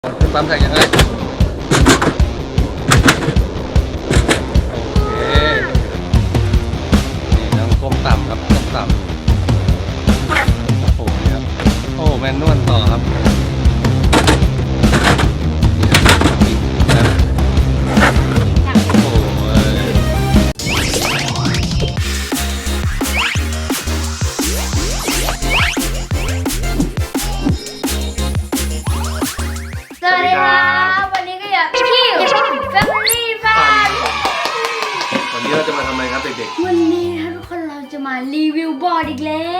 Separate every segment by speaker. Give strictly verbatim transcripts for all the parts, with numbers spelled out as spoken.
Speaker 1: ขึ้นปั๊มแท็กยังไงโอเคนี่น้ำก้มต่ำครับก้มต่ำโอ้โหนี่ครับโอ้แมนนวลต่อครับนี่ครับอีกนะโอ้ย
Speaker 2: สวัสดีครับวันนี้ก็อยู่กับพี่ Family Fun
Speaker 1: วันนี้เราจะมาทำอะไรครับเด็ก
Speaker 2: วันนี้นะทุกคนเราจะมารีวิวบอร์ดอีกแล้ว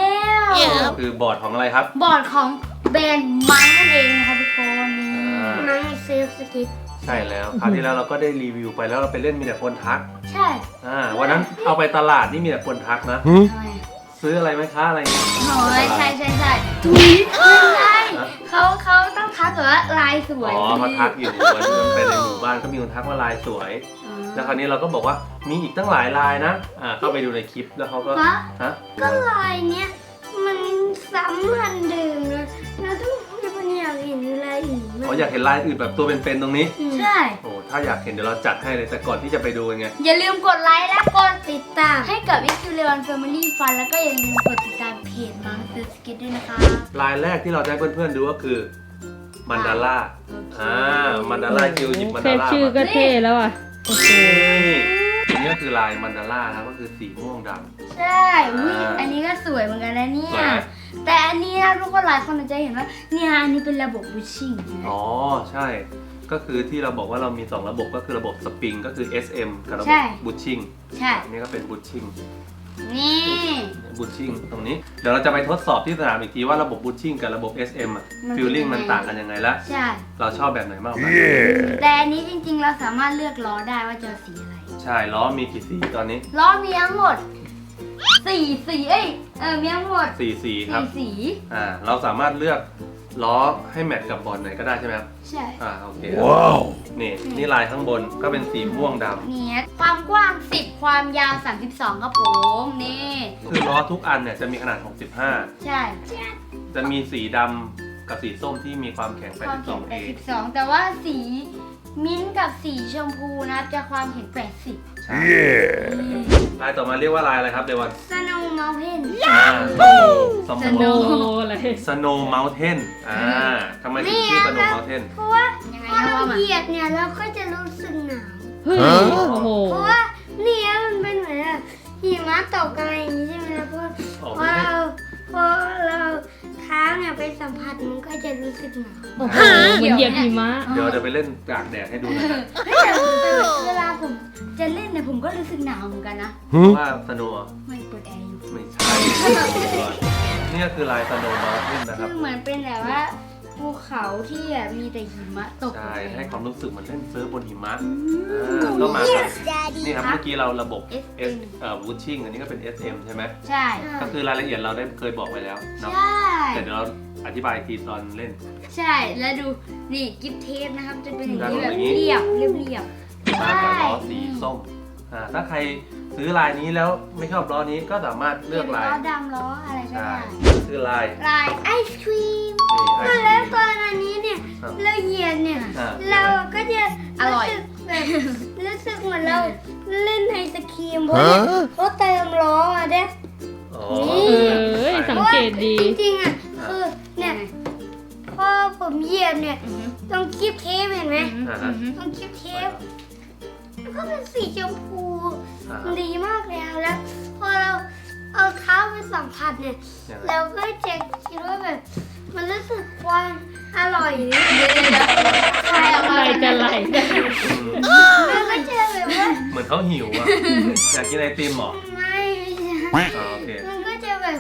Speaker 1: ๆก็คือบอร์ดของอะไรครับ
Speaker 2: บอร์ดของแบรนด์มังนั่นเองนะครับทุกคนนี่
Speaker 1: อ่า
Speaker 2: มังเซฟสกิท
Speaker 1: ใช่แล้วคราวที่แล้วเราก็ได้รีวิวไปแล้วเราไปเล่นมีแต่คนทัก
Speaker 2: ใช่
Speaker 1: อ่าวันนั้นเอาไปตลาดนี่มีแต่คนทักนะ
Speaker 2: ทำไม
Speaker 1: ซื้ออะไรไหมคะอะไรเงี้ย
Speaker 2: โอ้ยใช่ใช่ใช่ถุยไม่ใช่เขาเขาต้องทักแบบว่าลายสวย
Speaker 1: อ๋อเขาทักอยู่วันนี้ไปในหมู่บ้านก็มีคนทักว่าลายสวย
Speaker 2: อ๋อ
Speaker 1: แล้วคราวนี้เราก็บอกว่ามีอีกตั้งหลายลายนะอ่าเข้าไปดูในคลิปแล้วเขาก็
Speaker 2: ฮะ
Speaker 1: ฮะ
Speaker 2: ก็ลายเนี้ยมันซ้ำมันเดิมนะเราต้องมันอยากเห็นลายอื่น
Speaker 1: เขาอยากเห็นลายอื่นแบบตัวเป็นๆตรงนี้
Speaker 2: ใช่
Speaker 1: โอ้ถ้าอยากเห็นเดี๋ยวเราจัดให้เลยแต่ก่อนที่จะไปดูกันไง
Speaker 2: อย่าลืมกดไลค์และกดติดตามให้กับ i ิ u เล o น Family Fun แล้วก็อย่าลืมกดติดตามเพจมังเซอร์สกิทด้วยนะคะ
Speaker 1: ลายแรกที่เราจะให้เพื่อนๆดูก็คือมันดาร่าอ่ามันดาร่าคิวหยิบมัน
Speaker 3: แค่
Speaker 1: ดาร่า
Speaker 3: ชื่อ
Speaker 1: มา
Speaker 3: ก็เท่แล้วอ่ะ โอ้โห
Speaker 1: นี่อันนี้ก็คือลายมันดาร่านะครับก็คือสีม่วงดำ
Speaker 2: ใช่อุ๊ย
Speaker 1: อ่า
Speaker 2: อันนี้ก็สวยเหมือนกันนะเนี่
Speaker 1: สวย
Speaker 2: ย
Speaker 1: ไหม
Speaker 2: แต่อันนี้นะทุกคนหลายคนอาจจะเห็นว่าเนี่ยอันนี้เป็นระบบบูชชิ่งนะ
Speaker 1: อ๋อใช่ ก็คือที่เราบอกว่าเรามีสองระบบก็คือระบบสปริงก็คือ เอส เอ็ม กับระบบบูชชิ่ง
Speaker 2: ใช่
Speaker 1: อันนี้ก็เป็นบูชชิ่ง
Speaker 2: นี่
Speaker 1: บูชชิ่งตรงนี้เดี๋ยวเราจะไปทดสอบที่สนามอีกทีว่าระบบบูชชิ่งกับระบบ เอส เอ็ม อ่ะฟิลลิ่งมันต่างกันยังไงละ
Speaker 2: ใช่
Speaker 1: เราชอบแบบไหนมากกว่ากัน
Speaker 2: แต่อันนี้จริงๆเราสามารถเลือกล้อได้ว่าจะเอาสีอะไร
Speaker 1: ใช่ล้อมีกี่สีตอนนี้
Speaker 2: ล้อมีทั้งหมดสี่สีเอ้ยเออมีทั้งหมด
Speaker 1: สี่สีครับ
Speaker 2: สี่สี
Speaker 1: อ่าเราสามารถเลือกล้อให้แมทกับบอลไหนก็ได้ใช่ไหมครับ
Speaker 2: ใช่
Speaker 1: อ่าโอเคว้าวนี่นี่ลายข้างบนก็เป็นสีม่วงดำ
Speaker 2: เนี่ยความกว้างสิบความยาวสามสิบสองครับผมนี่
Speaker 1: คือล้อทุกอันเนี่ยจะมีขนาดหกสิบห้า
Speaker 2: ใช่
Speaker 1: จะมีสีดำกับสีส้มที่มีความแข็ง
Speaker 2: ความแข็ง
Speaker 1: แปดสิบสอง เอ
Speaker 2: แปดสิบสองแต่ว่าสีมิ้นท์กับสีชมพูนะครับจะความแข็งแปดสิบ
Speaker 1: ใช่ลายต่อมาเรียกว่าลายอะไรครับเดวัน
Speaker 2: สโนว์เมลเทน
Speaker 1: อ่าสโน
Speaker 2: ส
Speaker 1: ว์
Speaker 2: โน
Speaker 3: โอ้อะไร
Speaker 1: สโนว์เมลเทนอ่าทำไมถึงชื่อสโนว์เมลเทน
Speaker 2: เพราะว่าพอเราเหยียบเนี่ยเราก็จะรู้สึกหนาว
Speaker 3: เฮ้ย โอ้โห
Speaker 2: เพราะว่าเนี่ยมันเป็นเหมือนแบบหิมะตกอะไรอย่างนี้ใช่ไหมล่ะเพราะ
Speaker 1: อ๋อ
Speaker 2: พอเราพอเราเท้าเนี่ยไปสัมผัสมันก็จะรู้สึกหนาว
Speaker 3: โอ้โหเหมือนเหยียบหิมะ
Speaker 1: เดี๋ยวจะไปเล่นกลางแดดให้ดูนะ
Speaker 2: เฮ้ยแต่เวลาผมจะเล่นเนี่ยผมก็รู้สึกหนาวเหมือนกันนะ
Speaker 1: เพราะว่าสโนว์
Speaker 2: ไม่เปิดแอร์อยู่
Speaker 1: ไม่ใช่นี่ก็คือลายสโนว์เมลเทนนะครับ
Speaker 2: คือเหมือนเป็นแบบว่าภูเขาที่แบบมีแต่หิมะตก
Speaker 1: ใช่ให้ความรู้สึกเหมือนเล่นเซิร์ฟบนหิมะอ่าก็มาครับนี่ครับเมื่อกี้เราระบบ S เอ่อวูชชิ่งอันนี้ก็เป็น เอส เอ็ม ใช่ไหม
Speaker 2: ใช่
Speaker 1: ก็คือรายละเอียดเราได้เคยบอกไว้แล้วเนาะ
Speaker 2: ใช่
Speaker 1: แต่เดี๋ยวเราอธิบายอีกทีตอนเล่น
Speaker 2: ใช่แล้วดูนี่กิฟเทปนะครับจะเป็นอย่างนี้
Speaker 1: ด้านบน
Speaker 2: แบบ
Speaker 1: อย่างนี้
Speaker 2: เรียบเรียบเรียบ
Speaker 1: มากับล้อสีส้มอ่าถ้าใครซื้อลายนี้แล้วไม่ชอบล้อนี้ก็สามารถเลือกลาย
Speaker 2: ล้อดำล้ออะไรก็
Speaker 1: ใช่
Speaker 2: ได้
Speaker 1: คือลาย
Speaker 2: ลายไอศครีม
Speaker 1: นี่ไอศกรี
Speaker 2: แล้ว
Speaker 1: ม
Speaker 2: ตอนอันนี้เนี่ย
Speaker 1: ครับ
Speaker 2: เราเหยียดเนี่ย
Speaker 1: อ่า
Speaker 2: เราก็จะ
Speaker 3: อร่อย
Speaker 2: สึกแบบรู้สึกเหมือนเราเล่นไอศครีมเพราะเนี่ยเขาเติมล้อมาเด้
Speaker 1: อ๋อ
Speaker 3: เอ้ยสังเกตดี
Speaker 2: จริงๆอ่ะคือเนี่ยพอผมเหยียบเนี่ยตรงคลิปเทปเห็นไหม
Speaker 1: อ่าฮะ
Speaker 2: ตรงคลิปเทปแล้วก็เป็นสีชมพู
Speaker 1: อ่าฮะ
Speaker 2: ดีมากเลยอะแล้วพอเราเอาเท้าไปสัมผัสเนี่ย
Speaker 1: ยังไง
Speaker 2: เราก็จะคิดว่าแบบมันรู้สึกความอร่อยนี่ใช่
Speaker 3: อะไรจะไหล
Speaker 1: อืม
Speaker 2: มันก็จะแบบว่า
Speaker 1: เหมือนเขาหิวอ่ะอยากกินไอติมเหรอ
Speaker 2: ไม่ใช่
Speaker 1: อ๋อโอเค
Speaker 2: มันก็จะแบบ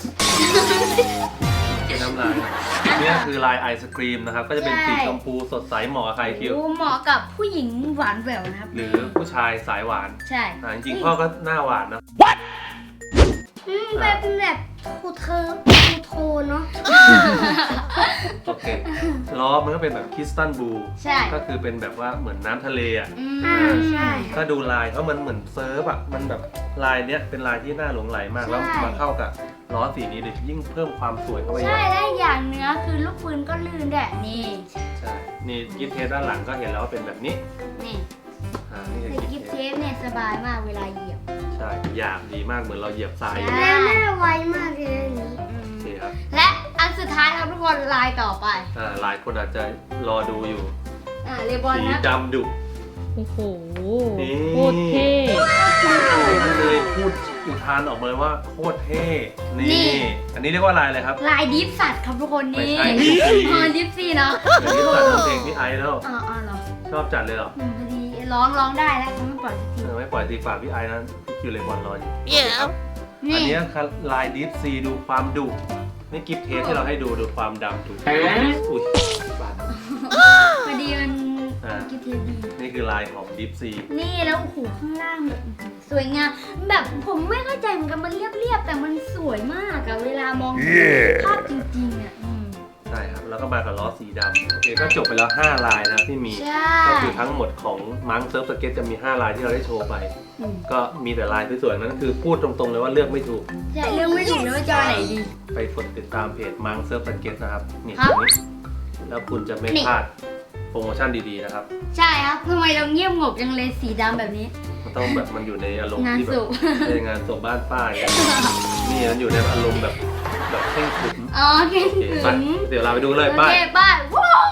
Speaker 1: เป็นน้ำลายนี่คือลายไอศครีมนะครับก็จะเป็นสีชมพูสดใสเหมาะกับใครคิว
Speaker 2: โอ้เหมาะกับผู้หญิงหวานแหววนะครับ
Speaker 1: หรือผู้ชายสายหวาน
Speaker 2: ใช่
Speaker 1: อ่าจริงๆพ่อก็หน้าหวานนะ
Speaker 2: อืมแบบเป็นแบบทูเธอทูโทนเนาะ
Speaker 1: โอเคล้อมันก็เป็นแบบคริสตัลบลู
Speaker 2: ใช่
Speaker 1: ก็คือเป็นแบบว่าเหมือนน้ำทะเลอ่ะ
Speaker 2: อืมอ่าใช่
Speaker 1: ก็ดูลายเพราะมันเหมือนเซิร์ฟอ่ะมันแบบลายเนี้ยเป็นลายที่น่าหลงไหลมาก
Speaker 2: ใช่
Speaker 1: แล้วมาเข้ากับล้อสีนี้เลยยิ่งเพิ่มความสวยเข้าไป
Speaker 2: ใช่และอย่างเนื้อคือลูกปืนก็ลื่นแดดนี่
Speaker 1: ใช่นี่กิฟเทสด้านหลังก็เห็นแล้วว่าเป็นแบบนี้
Speaker 2: นี่
Speaker 1: อ่านี่คือ
Speaker 2: คือ
Speaker 1: กิ
Speaker 2: กิ
Speaker 1: ฟ
Speaker 2: ฟ
Speaker 1: เท
Speaker 2: เท
Speaker 1: ส
Speaker 2: ปเนี่ยสบายมากเวลาเหยียบ
Speaker 1: ใช่หยาบดีมากเหมือนเราเหยียบทรายอยู่
Speaker 2: ใช่
Speaker 4: แล้วน่าไวมากเลยอันนี้
Speaker 2: อืม
Speaker 1: โอเคครับ
Speaker 2: และอันสุดท้ายครับทุกคนลายต่อไป
Speaker 1: อ่าหลายคนอาจจะรอดูอยู่
Speaker 2: อ่าเลบอน
Speaker 1: สี
Speaker 2: นะ
Speaker 1: ดำดุ
Speaker 3: โอ้โห
Speaker 1: นี่
Speaker 3: โคตรเท่
Speaker 1: เลยพูดอุทานออกมาเลยว่าโคตรเท่นี่
Speaker 2: นี่
Speaker 1: อันนี้เรียกว่าลายอะไรครับ
Speaker 2: ลายดิฟสัตว์ครับทุกคน
Speaker 1: ไม่
Speaker 2: นี่
Speaker 1: ใช่ดิฟซี่
Speaker 2: อ๋อดิฟซี่เนาะ
Speaker 1: เดี๋ยวนี้ตัดเพลงพี่ไอซ์แล้ว
Speaker 2: อ๋ออ๋อเหรอ
Speaker 1: ชอบจัดเลยเหรอ
Speaker 2: อืมพอดีร้องร้องได้แล้วเขาไม่ปล่อยสักที
Speaker 1: เออไม่ปล่อยตีฝากพี่ไอซ์นะพี่คิวเลยบอลรออยู่
Speaker 2: นี่
Speaker 1: อันนี้คือลายดิฟซีดูความดุนี่กิฟเทสที่เราให้ดูดูความดำดุอุ้ยบาด
Speaker 2: พอดีมัน
Speaker 1: อ่า
Speaker 2: กิฟเทปดี
Speaker 1: นี่คือลายของดิฟซี
Speaker 2: นี่แล้วโอ้โหข้างล่างแบบสวยงามแบบผมไม่เข้าใจเหมือนกันมันเรียบๆแต่มันสวยมากอะเวลามองภาพจริงๆอะอืม
Speaker 1: ใช่ครับแล้วก็มากับล้อสีดำโอเคก็จบไปแล้วห้าลายนะที่มี
Speaker 2: ใช่
Speaker 1: ก็คือทั้งหมดของมังเซิร์ฟสเก็ตจะมีห้าลายที่เราได้โชว์ไป
Speaker 2: อืม
Speaker 1: ก็มีแต่ลายสวยๆนั้นคือพูดตรงๆเลยว่าเลือกไม่ถูก
Speaker 2: ใช่เรื่องไม่ถูกเลยว่าจะเอาไหนดี
Speaker 1: ไปกดติดตามเพจมังเซิร์ฟสเก็ตนะครับนี่
Speaker 2: ครั
Speaker 1: ต
Speaker 2: บ
Speaker 1: รงนี้แล้วคุณจะไม่
Speaker 2: นี่
Speaker 1: พลาดโปรโมชั่นดีๆนะครับ
Speaker 2: ใช่ครับทำไมเราเงียบงบจังเลยสีดำแบบนี้
Speaker 1: มันต้องแบบมันอยู่ในอารมณ์
Speaker 2: งาน
Speaker 1: ที่แบ
Speaker 2: ศ
Speaker 1: บ
Speaker 2: พ
Speaker 1: ในงานศพบ้านป้าอย่างเงี้ยนี่มันอยู่ในอารมณ์แบบแบบเข่งขรึม
Speaker 2: อ๋อเก่ง
Speaker 1: โอเค
Speaker 2: ถึ
Speaker 1: ไป
Speaker 2: ง
Speaker 1: เดี๋ยวเราไปดูเลย
Speaker 2: โอ
Speaker 1: ป้า
Speaker 2: เคบ้านว้าว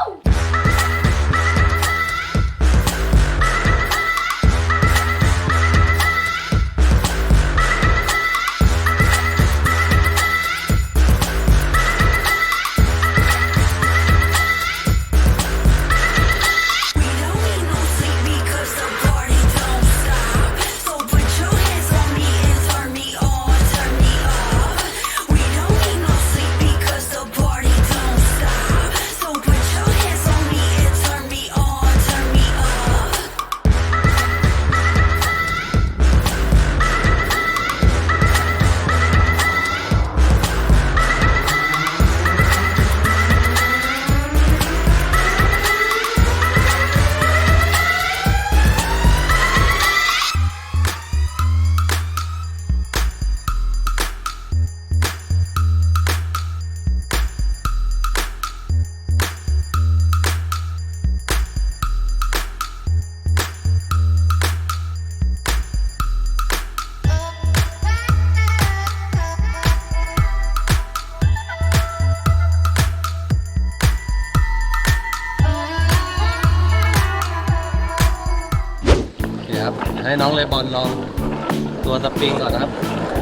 Speaker 1: โอเคครับให้น้องเลบอนลองตัวสปริงก่อนนะครับ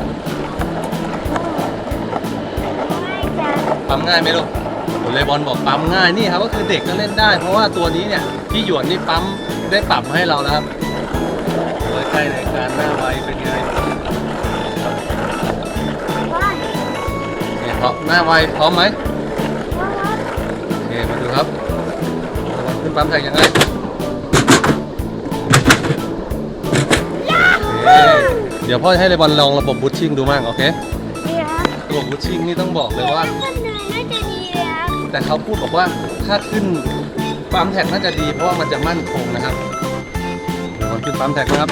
Speaker 1: ปั๊มง่ายไหมลูกเลบอนบอกปั๊มง่ายนี่ครับก็คือเด็กก็เล่นได้ เพราะว่าตัวนี้เนี่ยพี่หยวนนี่ปั๊มได้ปรับมาให้เราแล้วครับโดยใกล้ในการหน้าไวเป็นไงเนี่ยเพราะหน้าไวพร้อมไหมโอเคมาดูครับขึ้นปั๊มแทงยังไงเดี๋ยวพ่อให้เลบอนลองระบบบูทชิ่งดูมั่งโอเค
Speaker 4: นี่ครับ
Speaker 1: ระบบบูทชิ่งนี่ต้องบอกเลยว่า
Speaker 4: มันเหนื่อยน่าจะดีเลยครับ
Speaker 1: แต่เขาพูดบอกว่าถ้าขึ้นปั๊มแท็กน่าจะดีเพราะว่ามันจะมั่นคงนะครับเดี๋ยวมันขึ้นปั๊มแท็กนะครับ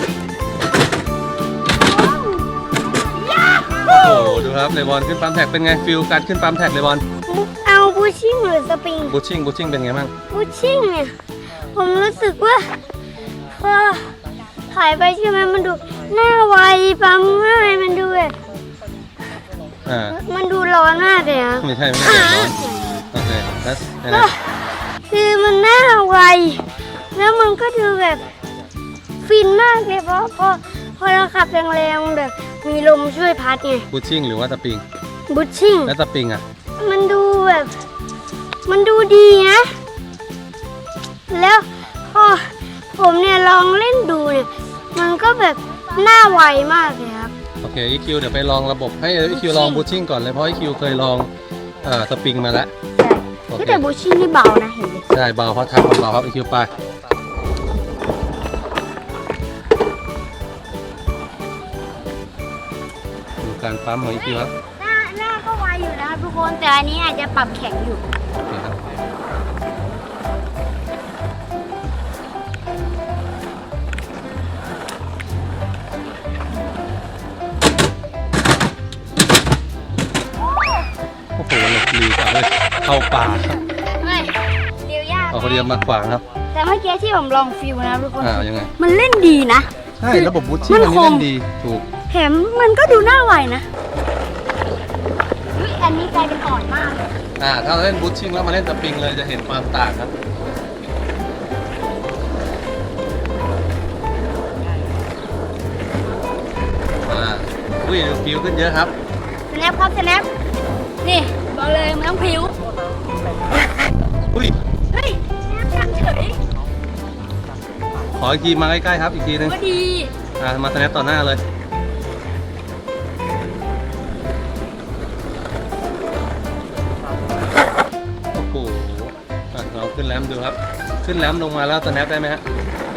Speaker 1: โอ้โหดูครับเลบอนขึ้นปั๊มแท็กเป็นไงฟิลการขึ้นปั๊มแท็กเลบอน
Speaker 4: เอาบูชิ่งหรือสปริง
Speaker 1: บูทชิ่งบูทชิ่งเป็นไงบ้าง
Speaker 4: บูชิ่งเนี่ย ผมรู้สึกว่าพอถ่ายไปใช่ไหมมันดูหน้าไวปั๊มง่ายมันดูแบบ
Speaker 1: อ่า
Speaker 4: มันดูร้อนมากเลยครับ
Speaker 1: ไม่ใช่ไม่ใช่ร้อนโอเคแล้วยังไง
Speaker 4: คือมันหน้าไว แล้วมันก็ดูแบบฟินมากเลยเพราะพอพอเราขับแรงๆแบบมีลมช่วยพัดไง
Speaker 1: บูทชิ่งหรือว่าสปริง
Speaker 4: บูชิ่ง
Speaker 1: แล้วสปริงอ่ะ
Speaker 4: มันดูแบบ มันดูดีนะ แล้วพอผมเนี่ยลองเล่นดูเนี่ย มันก็แบบหน้าไวมากเลยครับ
Speaker 1: โอเค อี คิว เดี๋ยวไปลองระบบให้ อี คิว ลองบูทชิ่งก่อนเลยเพราะ อี คิว เคยลองเอ่อสปริงมาแล้ว
Speaker 4: ใช่
Speaker 1: โอเค
Speaker 4: แต่บูชิ่งนี่เบานะเห็นไหม
Speaker 1: ใช่เบาเพราะทางมันเบาครับ อี คิว ไปดูการปั๊มของ อี คิว ครับ
Speaker 4: หน้าหน้าก็ไวอยู่นะครับทุกคนแต่อันนี้อาจจะปรับแข็งอยู่
Speaker 1: โอเคครับโอ้โหหลบหลีกเอาเลยเข้าป่า
Speaker 4: ไม่เลี้ยวยาก
Speaker 1: เอาคนเดียวรือมาขวางครับ
Speaker 4: แต่เมื่อกี้ที่ผมลองฟิวนะทุกคน
Speaker 1: อ่ายังไง
Speaker 4: มันเล่นดีนะ
Speaker 1: ใช่ระบบบูทชิ่งอันนี้เล่นดีถูก
Speaker 4: แถมมันก็ดูน่าไวนะอุ๊ยอันนี้กลายเป็นอ่อนมากเลย
Speaker 1: อ่าถ้าเราเล่นบูทชิ่งแล้วมาเล่นสปริงเลยจะเห็นความต่างครับอ่าอุ้ยฟิวขึ้นเยอะครับ
Speaker 4: สแนปครับสแนปนี่บอกเลยมันต้องผิว
Speaker 1: อุ้ย
Speaker 4: เฮ้ยสแนปเฉย
Speaker 1: ขออีกทีมาใกล้ๆครับอีกทีนึง
Speaker 4: ก็ดี
Speaker 1: อ่ามาสแนปต่อหน้าเลยโอ้โหอ่ะเราขึ้นแรมดูครับ ขึ้นแรมลงมาแล้วสแนปได้ไหมฮะ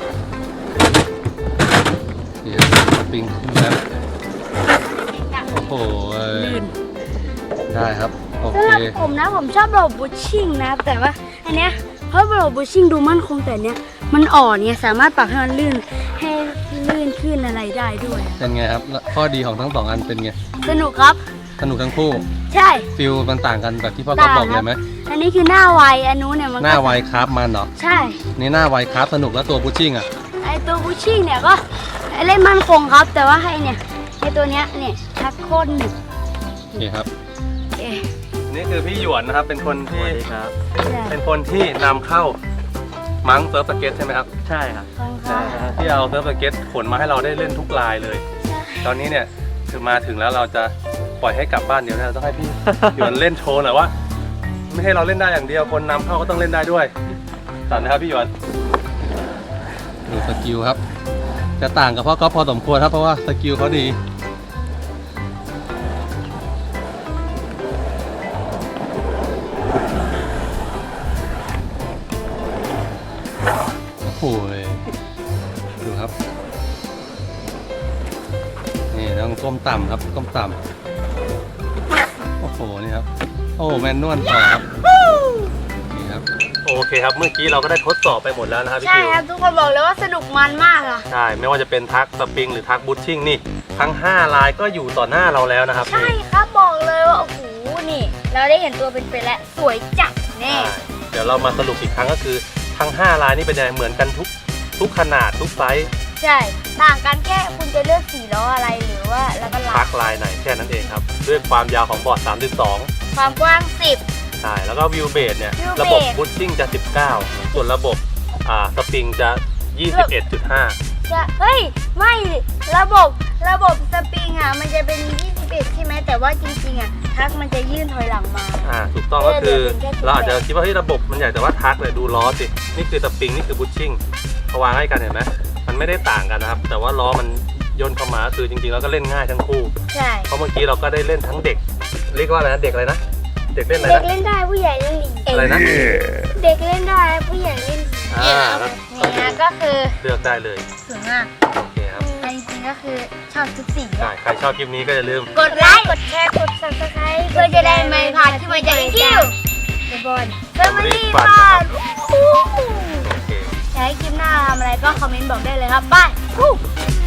Speaker 1: เดี๋ยวสปริงขึ้นแรมโอ้โหเอ้ยได้ครับโอ
Speaker 4: สำ
Speaker 1: เค
Speaker 4: หรับผมนะผมชอบระบบบูชชิ่งนะแต่ว่าอันเนี้ยเพราะระบบบูชชิ่งดูมั่นคงแต่เนี้ยมันอ่อนเนี่ยสามารถปรับให้มันลื่นให้ลื่นขึ้นอะไรได้ด้วย
Speaker 1: เป็นไงครับแล้วข้อดีของทั้งสองอันเป็นไง
Speaker 4: สนุกครับ
Speaker 1: สนุกทั้งคู่
Speaker 4: ใช่
Speaker 1: ฟิลมันต่างกันแบบที่พ่อก๊อฟบอกเลยไหม
Speaker 4: อันนี้คือหน้าไวอันนู้นเนี่ยมันก็
Speaker 1: หน้าไวคราฟมันเหรอ
Speaker 4: ใช่
Speaker 1: นี่หน้าไวคราฟสนุกแล้วตัวบูชชิ่งอ่ะ
Speaker 4: ไอตัวบูชชิ่งเนี่ยก็เล่นมั่นคงครับ แต่ว่าให้เนี่ยไอตัวเนี้ยเนี่ยชักโคตรหนึบ
Speaker 1: โอเคครับ
Speaker 4: เอ๊ะ
Speaker 1: นี่คือพี่หยวนนะครับเป็นคนที่
Speaker 4: ใช่
Speaker 1: เป็นคนที่นำเข้ามังเซิร์ฟสเก็ตใช่ไหมครับ
Speaker 5: ใช่ครับ
Speaker 4: ฟังค่ะ
Speaker 1: ที่เอาเซิร์ฟสเก็ตขนมาให้เราได้เล่นทุกลายเลย ตอนนี้เนี่ยคือมาถึงแล้วเราจะปล่อยให้กลับบ้านเดี๋ยวเราต้องให้พี่ หยวนเล่นโชว์หน่อยว่า ไม่ให้เราเล่นได้อย่างเดียวคนนำเข้าก็ต้องเล่นได้ด้วยสอนนะครับพี่หยวนดูสกิลครับ จะต่างกับพ่อก๊อฟพอสมควรครับเพราะว่าสกิลเขาดีโอ้โหดูครับนี่ต้องก้มต่ำครับก้มต่ำโอ้โหนี่ครับโอ้แมนนวลต่อครับนี่ครับโอเคครับเมื่อกี้เราก็ได้ทดสอบไปหมดแล้วนะครับพี่
Speaker 4: ใช่
Speaker 1: คิว
Speaker 4: ครับทุกคนบอกเลยว่าสนุกมันมากอะ
Speaker 1: ใช่ไม่ว่าจะเป็นทักสปริงหรือทักบูทชิ่งนี่ทั้งห้าลายก็อยู่ต่อหน้าเราแล้วนะครับ
Speaker 4: ใช่
Speaker 1: นี่
Speaker 4: ครับบอกเลยว่าโอ้โหนี่ เราได้เห็นตัวเป็นๆแล้วสวยจัดแน่
Speaker 1: ใช่เดี๋ยวเรามาสรุปอีกครั้งก็คือทั้งห้าลายนี่เป็นยังไงเหมือนกันทุกทุกขนาดทุกไซส์
Speaker 4: ใช่ต่างกันแค่คุณจะเลือกสีล้ออะไรหรือว่าแล้วก็ลา
Speaker 1: ทั
Speaker 4: ย
Speaker 1: กลายไหนแค่นั้นเองครับด้วยความยาวของบอร์ดสามสิบสอง
Speaker 4: ความกว้างสิบ
Speaker 1: ใช่แล้วก็วิวเบสเนี่ย
Speaker 4: Wheel
Speaker 1: ระบบ
Speaker 4: base
Speaker 1: บูทชิ่งจะสิบเก้าส่วนระบบอ่าสปริงจะ ยี่สิบเอ็ดจุดห้า
Speaker 4: จะเฮ้ยไม่ระบบระบบสปริงอ่ะมันจะเป็นยี่สิบเอ็ดใช่ไหมแต่ว่าจริงๆอ่ะทักมันจะยื่นถอยหลังมา
Speaker 1: อ่าถูกต้องก็คือ
Speaker 4: เออเดี๋ยวเป็นแค่
Speaker 1: เราอาจจะคิดว่าเฮ้ยระบบมันใหญ่แต่ว่าทักเลยดูล้อสินี่คือสปริงนี่คือบูทชิ่งพอวางให้กันเห็นไหมมันไม่ได้ต่างกันนะครับแต่ว่าล้อมันย่นเข้ามาคือจริงๆแล้วก็เล่นง่ายทั้งคู่
Speaker 4: ใช่
Speaker 1: เพราะเมื่อกี้เราก็ได้เล่นทั้งเด็ก เรียกว่าอะไรนะเด็กอะไรนะเด็กเล่นอะไร
Speaker 4: เด็ก
Speaker 1: นะ
Speaker 4: เล่นได้ผู้ใหญ่เล่นดี
Speaker 1: อะไรนะ
Speaker 4: เด็กเล่นได้ผู้ใหญ่เล่นดี
Speaker 1: อ่าแล้ว
Speaker 4: นี่นะก็คือ
Speaker 1: เลือกได้เลย
Speaker 4: สวยมาก
Speaker 1: โอเคครับ
Speaker 4: แต่จริงๆก็คือชอบทุกสี
Speaker 1: ใช่ใครชอบคลิปนี้ก็อย่าลืม
Speaker 4: กดไลค์กดแชร์กด ซับสไครบ์เพื่อจะได้ไม่พลาดที่มันจะคิวเดบอลเฟมิลี่บ้าน
Speaker 1: โอเค
Speaker 4: อยากให้คลิปหน้าทำอะไรก็คอมเมนต์บอกได้เลยครับบาย